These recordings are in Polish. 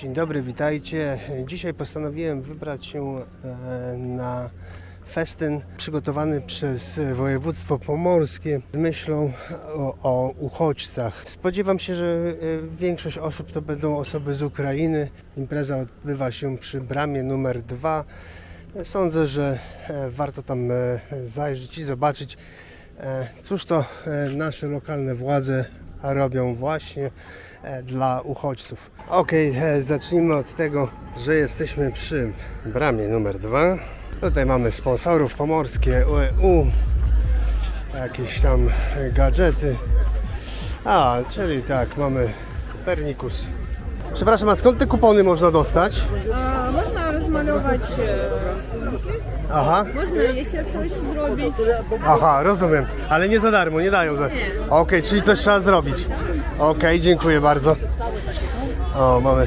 Dzień dobry, witajcie. Dzisiaj postanowiłem wybrać się na festyn przygotowany przez województwo pomorskie z myślą o uchodźcach. Spodziewam się, że większość osób to będą osoby z Ukrainy. Impreza odbywa się przy bramie numer 2. Sądzę, że warto tam zajrzeć i zobaczyć, cóż to nasze lokalne władze robią właśnie dla uchodźców. Zacznijmy od tego, że jesteśmy przy bramie numer 2. Tutaj mamy sponsorów pomorskie, UEU, jakieś tam gadżety. Czyli tak, mamy Kopernikus. Przepraszam, a skąd te kupony można dostać? Można rozmalować rysunki. Aha. Można jeszcze coś zrobić. Aha, rozumiem. Ale nie za darmo, nie dają. Nie. Czyli coś trzeba zrobić. Dziękuję bardzo. Mamy.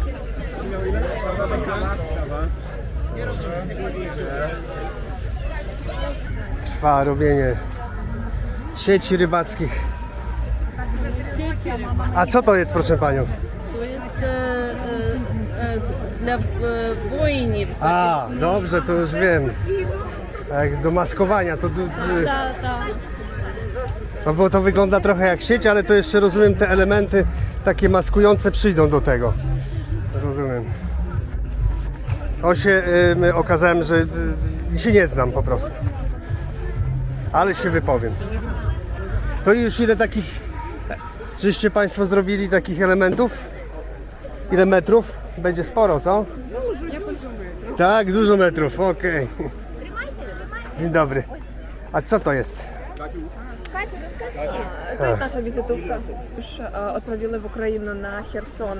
Trwa robienie sieci rybackich. A co to jest, proszę panią? To jest dla bojni. Dobrze, to już wiem. Jak do maskowania, to... No bo to wygląda trochę jak sieć, ale to jeszcze rozumiem, te elementy takie maskujące przyjdą do tego. Rozumiem. Okazałem, że się nie znam po prostu. Ale się wypowiem. To już ile takich, żeście Państwo zrobili takich elementów? Ile metrów? Będzie sporo, co? Dużo. Tak, dużo metrów, Dzień dobry. A co to jest? To jest nasza wizytówka. Już odprawili w Ukrainę na Херсон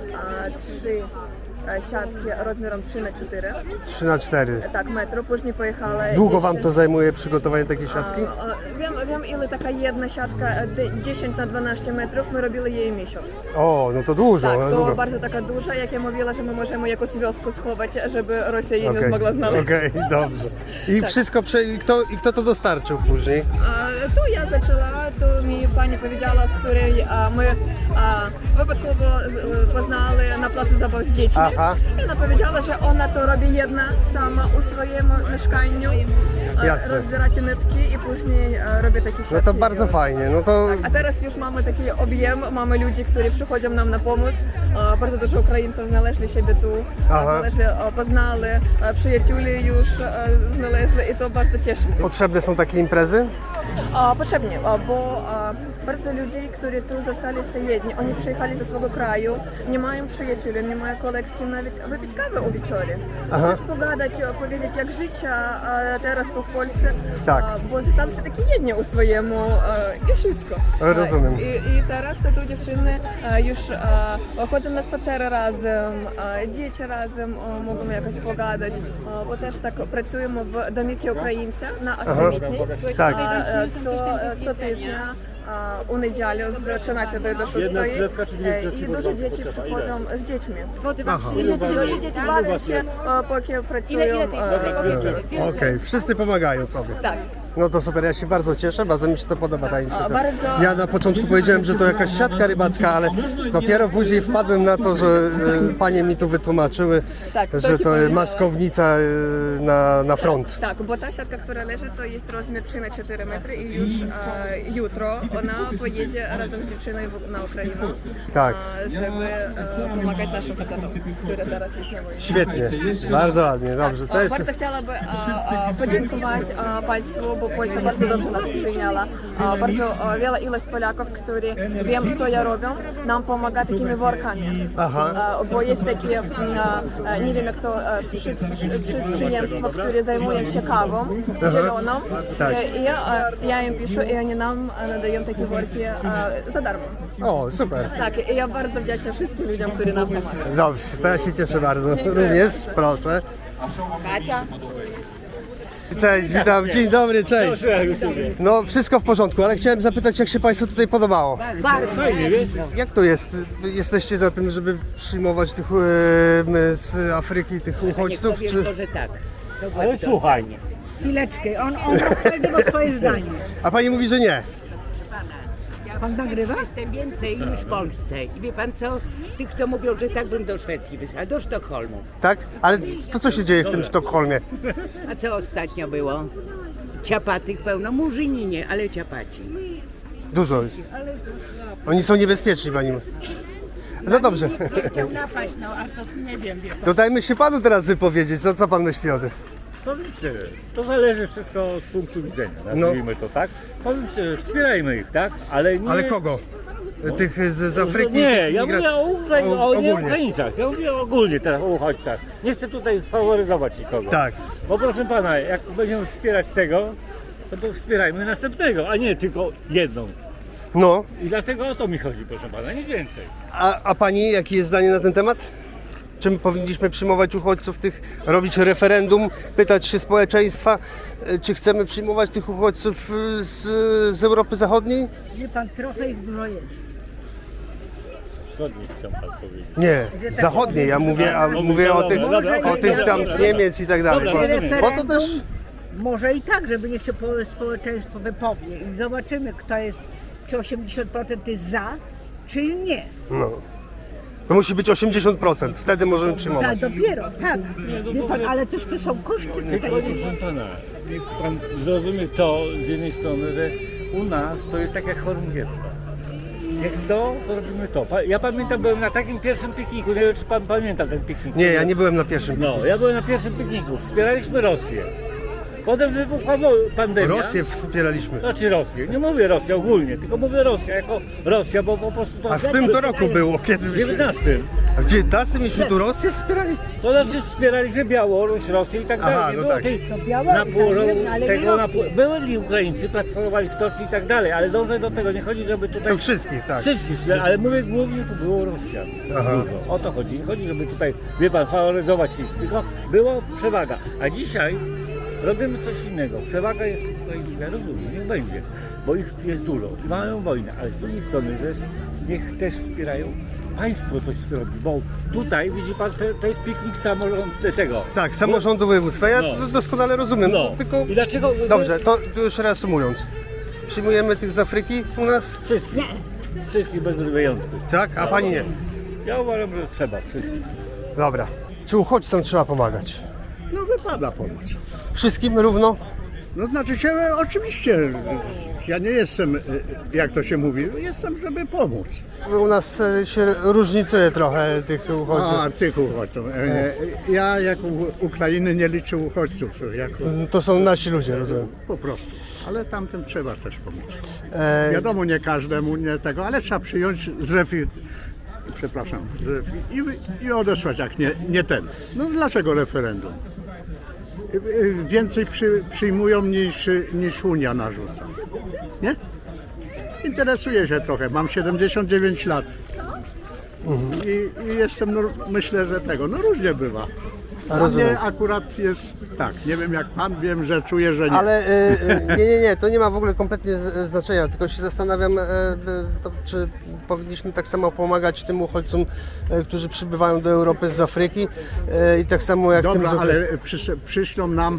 3 siatki rozmiarem 3x4. 3x4. Tak, metru. Później pojechała. Długo Wam to zajmuje przygotowanie takiej siatki? Wiem ile taka jedna siatka 10 na 12 metrów, my robili jej miesiąc. No to dużo. Tak, to dużo. bardzo taka duża, jak ja mówiła, że my możemy jakąś wioskę schować, żeby Rosja jej nie zmogła znaleźć. Dobrze. I Tak. wszystko, kto to dostarczył później? To ja zaczęła, to mi pani powiedziała, z której my wипадково poznali na placu zabaw z dziećmi. Aha. I ona powiedziała, że ona to robi jedna sama u swoim mieszkaniu. Jasne. Rozbieracie nitki i później robi takie siatki. No to bardzo fajnie. No to... A teraz już mamy taki objem, mamy ludzi, którzy przychodzą nam na pomoc. Bardzo dużo Українців znaleźli siebie tu, poznali, przyjaciółmi już znaleźli i to bardzo cieszy. Potrzebne są takie imprezy? Potrzebnie, bo bardzo ludzi, którzy tu zostali jedni, oni przyjechali ze swojego kraju, nie mają przyjaciół, nie mają kolegów, z kim nawet wypić kawę o wieczorze. Coś pogadać, powiedzieć jak życie teraz tu w Polsce, Tak. bo zostali takie jedni u swojemu i wszystko. Rozumiem. I teraz te tu dziewczyny już chodzą na spacery razem, dzieci razem mogą jakoś pogadać, bo też tak pracujemy w Домівці Українця на Аксамітній. Tak. Co tygodnia u niedzielę z 13 do 6 i dużo dzieci przychodzą z dziećmi. I dzieci bawią się, póki pracują. Wszyscy pomagają sobie. Tak. No to super, ja się bardzo cieszę, bardzo mi się to podoba ta inicjatywa. Bardzo. Ja na początku powiedziałem, że to jakaś siatka rybacka, ale dopiero później wpadłem na to, że panie mi tu wytłumaczyły, że to maskownica na front. Tak, bo ta siatka, która leży, to jest rozmiar 3x4 metry i już jutro ona pojedzie razem z dziewczyną na Ukrainę, Tak. żeby pomagać naszym facetom, które teraz jest na wojnie. Świetnie, bardzo ładnie, dobrze. To jest... Bardzo chciałabym podziękować Państwu, bo Polska bardzo dobrze nas przyjęła. Bardzo wiele ilość Polaków, którzy wiem, co ja robię, nam pomaga takimi workami. Bo jest takie, nie wiem jak to, przedsiębiorstwo, które zajmuje się kawą zieloną. I ja im piszę i oni nam nadają takie worki za darmo. Super. Tak, i ja bardzo wdzięczna wszystkim ludziom, którzy nam pomagają. Dobrze, to ja się cieszę bardzo. Również, proszę. Kacia. Cześć, witam, dzień dobry, cześć. No wszystko w porządku, ale chciałem zapytać, jak się Państwu tutaj podobało? Bardzo fajnie, wiesz? Jak to jest? Jesteście za tym, żeby przyjmować tych z Afryki, tych uchodźców? Nie Czy... powiem to, że tak. Ale słuchaj, Chwileczkę, on każdy ma swoje zdanie. A Pani mówi, że nie. Pan nagrywa? Jestem więcej niż w Polsce. I wie pan co? Tych, co mówią, że tak bym do Szwecji wysłała, do Sztokholmu. Tak? Ale to co się dzieje w tym Sztokholmie? A co ostatnio było? Ciapatych pełno, murzyni nie, ale ciapaci. Dużo jest. Oni są niebezpieczni, pani. No dobrze. Chciał napaść, no a to nie wiem, wie pan. To dajmy się panu teraz wypowiedzieć. No co pan myśli o tym? Powiem szczerze, to zależy wszystko od punktu widzenia, nazwijmy to tak. Powiem szczerze, wspierajmy ich, tak? Ale nie... Ale kogo? Tych z Afryki? Nie, ja migra- mówię o nie ogólnie. Ukraińcach, ja mówię ogólnie teraz o uchodźcach. Nie chcę tutaj faworyzować nikogo. Tak. Bo proszę pana, jak będziemy wspierać tego, to wspierajmy następnego, a nie tylko jedną. No, I dlatego o to mi chodzi, proszę pana, nic więcej. a pani, jakie jest zdanie na ten temat? Czym powinniśmy przyjmować uchodźców tych, robić referendum, pytać się społeczeństwa, czy chcemy przyjmować tych uchodźców z Europy Zachodniej? Wie pan, trochę ich dużo jest. Wschodni chciał pan powiedzieć. Nie, zachodniej, ja mówię, mówię o tych tam z Niemiec i tak dalej. Dobra, Bo to też... Może i tak, żeby niech się społeczeństwo wypowie i zobaczymy, kto jest, czy 80% jest za, czy nie. No. To musi być 80%, wtedy możemy Tak, przyjmować. dopiero, tak. Wie pan, ale też to są koszty Tylko, tutaj. proszę pana, niech pan zrozumie to z jednej strony, że u nas to jest tak jak chorągiewka. Jak to robimy to. Ja pamiętam, byłem na takim pierwszym pikniku, nie wiem czy pan pamięta ten piknik. Nie, ja nie byłem na pierwszym. No, ja byłem na pierwszym pikniku, wspieraliśmy Rosję. Potem wybuchła pandemia. Rosję wspieraliśmy. Znaczy Rosję, nie mówię Rosja ogólnie, tylko mówię Rosja jako Rosja, bo po prostu to... A w tym to roku było, kiedy W 19. A w 19 myśmy tu Rosję wspierali? To znaczy wspieraliśmy Białoruś, Rosję i tak Aha, dalej. Nie no było tak. tej To Białoruś, ale nie Rosję. byli Ukraińcy, pracowali w stoczni i tak dalej, ale dążę do tego, nie chodzi, żeby tutaj... To wszystkich, tak. Wszystkich, ale mówię głównie tu było Rosjan. Aha. Dużo. O to chodzi. Nie chodzi, żeby tutaj, wie pan, faworyzować ich, tylko była przewaga. A dzisiaj robimy coś innego. Przewaga jest ukraińska, ja rozumiem, niech będzie, bo ich jest dużo i mają wojnę, ale z drugiej strony, że niech też wspierają państwo coś robi, bo tutaj widzi pan, to jest piknik tego. Tak, samorządu województwa, ja No. doskonale rozumiem, No. tylko... I dlaczego? Dobrze, to już reasumując. Przyjmujemy tych z Afryki u nas? Wszystkich. Wszystkich bez wyjątku. Tak, a pani nie. Ja uważam, że trzeba wszystkich. Dobra. Czy uchodźcom trzeba pomagać? No wypada pomóc. Wszystkim równo? No znaczy się, oczywiście, ja nie jestem, jak to się mówi, jestem, żeby pomóc. U nas się różnicuje trochę tych uchodźców. A, tych uchodźców. Ja jako Ukrainy nie liczę uchodźców, jako To są nasi ludzie, rozumiem. po prostu. Ale tamtym trzeba też pomóc. E, Wiadomo, nie każdemu, nie tego, ale trzeba przyjąć i odesłać, jak nie ten. No dlaczego referendum? Więcej przyjmują niż Unia narzuca. Nie? Interesuję się trochę. Mam 79 lat. I jestem, myślę, że tego, różnie bywa. Dla rozumiem. mnie akurat jest tak, nie wiem jak pan, wiem, że czuję, że nie. Ale nie, to nie ma w ogóle kompletnie znaczenia, tylko się zastanawiam, czy powinniśmy tak samo pomagać tym uchodźcom, którzy przybywają do Europy z Afryki i tak samo jak Dobra, tym z ale przyślą nam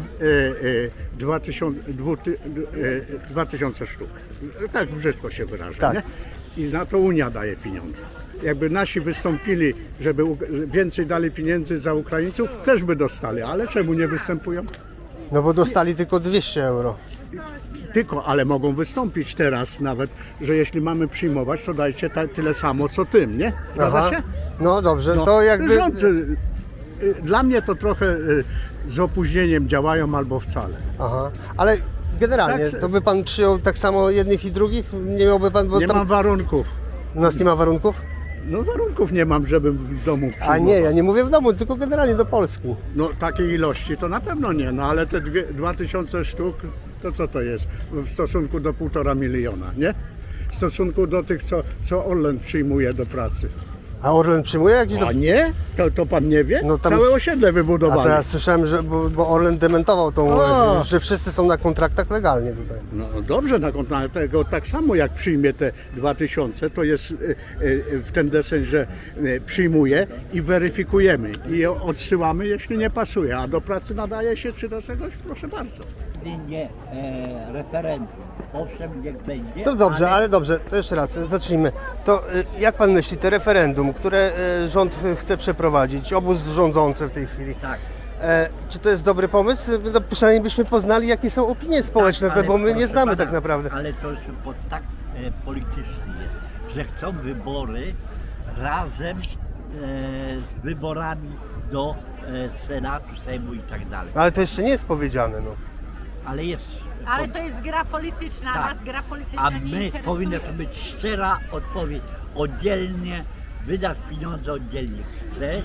2000 sztuk. Tak brzydko się wyrażę, Tak. nie? I na to Unia daje pieniądze. Jakby nasi wystąpili, żeby więcej dali pieniędzy za Ukraińców, też by dostali, ale czemu nie występują? No bo dostali tylko 200 euro. Tylko, ale mogą wystąpić teraz nawet, że jeśli mamy przyjmować, to dajcie tyle samo co tym, nie? Zgadza się? No dobrze, to jakby... Rząd, dla mnie to trochę z opóźnieniem działają albo wcale. Aha, ale generalnie, Tak, to by pan przyjął tak samo jednych i drugich? Nie miałby pan, bo Nie tam mam warunków. u nas nie ma warunków? No warunków nie mam, żebym w domu przyjmował. A nie, ja nie mówię w domu, tylko generalnie do Polski. No takiej ilości to na pewno nie, no ale te 2000 sztuk, to co to jest w stosunku do 1,5 miliona, nie? W stosunku do tych, co Orlen przyjmuje do pracy. A Orlen przyjmuje jakieś... A nie? To pan nie wie? No tam- Całe osiedle A wybudowali. to ja słyszałem, że bo Orlen dementował tą, O! że wszyscy są na kontraktach legalnie tutaj. No dobrze, na tego tak samo jak przyjmie te 2000, to jest w ten deseń, że przyjmuje i weryfikujemy i je odsyłamy, jeśli nie pasuje, a do pracy nadaje się czy do czegoś, proszę bardzo. Nie referendum. Owszem, niech będzie. No dobrze, ale dobrze, to jeszcze raz, zacznijmy. To jak pan myśli, to referendum, które rząd chce przeprowadzić, obóz rządzący w tej chwili, Tak. czy to jest dobry pomysł? No, przynajmniej byśmy poznali, jakie są opinie społeczne, ale bo my nie proszę znamy pana, tak naprawdę. Ale to już tak politycznie jest, że chcą wybory razem z wyborami do Senatu, Sejmu i tak dalej. Ale to jeszcze nie jest powiedziane, no. Ale jest. Ale to jest gra polityczna, Tak. nas gra polityczna A nie my interesuje. powinna to być szczera odpowiedź. Oddzielnie, wydasz pieniądze oddzielnie. Chcesz?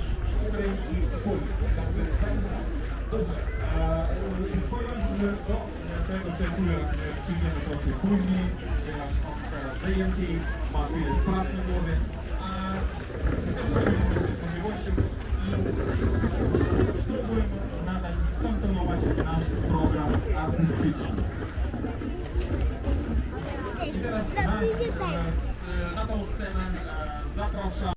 Później, ponieważ on teraz zajęty, ma wiele spraw na głowie, a skorzystamy z możliwości i spróbujmy nadal kontynuować nasz program artystyczny. I teraz na tą scenę zapraszam